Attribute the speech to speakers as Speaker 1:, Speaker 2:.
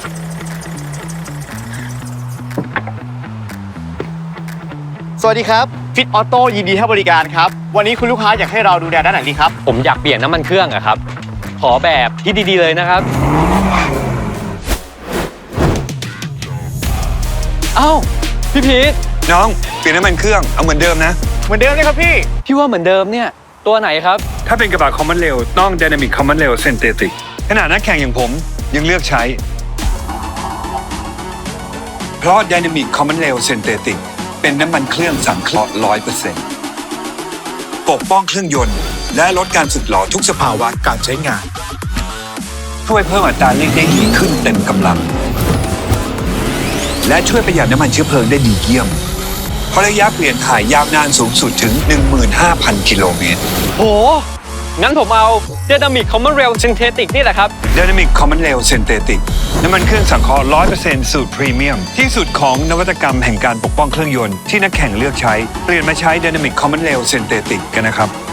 Speaker 1: สวัสดีครับฟิตออโต้ยินดีให้บริการครับวันนี้คุณลูกค้าอยากให้เราดูแลด้านไหนดีครับ
Speaker 2: ผมอยากเปลี่ยนน้ำมันเครื่องอะครับขอแบบที่ดีๆเลยนะครับเอ้าพี่พีท
Speaker 3: น้องเปลี่ยนน้ำมันเครื่องเอาเหมือนเดิมนะ
Speaker 1: เหมือนเดิมเลยครับพี่
Speaker 2: พี่ว่าเหมือนเดิมเนี่ยตัวไหนครับ
Speaker 3: ถ้าเป็นกระบะคอมมอนเรลต้อง Dynamic Common Rail Synthetic ขนาดนักแข่งอย่างผมยังเลือกใช้เพราะ Dynamic Common Rail Synthetic เป็นน้ำมันเครื่องสังเคราะห์ 100% ปกป้องเครื่องยนต์และลดการสึกหรอทุกสภาวะการใช้งานช่วยเพิ่มอัตราเร่งได้ดีขึ้นเต็มกำลังและช่วยประหยัดน้ำมันเชื้อเพลิงได้ดีเยี่ยมเพราะระยะเปลี่ยนถ่ายยาวนานสูงสุดถึง 15,000 กิโลเมตร
Speaker 2: โหงั้นผมเอา Dynamic Common Rail Synthetic นี่แหละครับ
Speaker 3: Dynamic Common Rail Synthetic น้ำมันเครื่องสังเคราะห์ 100% สูตรพรีเมียมที่สุดของนวัตกรรมแห่งการปกป้องเครื่องยนต์ที่นักแข่งเลือกใช้เปลี่ยนมาใช้ Dynamic Common Rail Synthetic กันนะครับ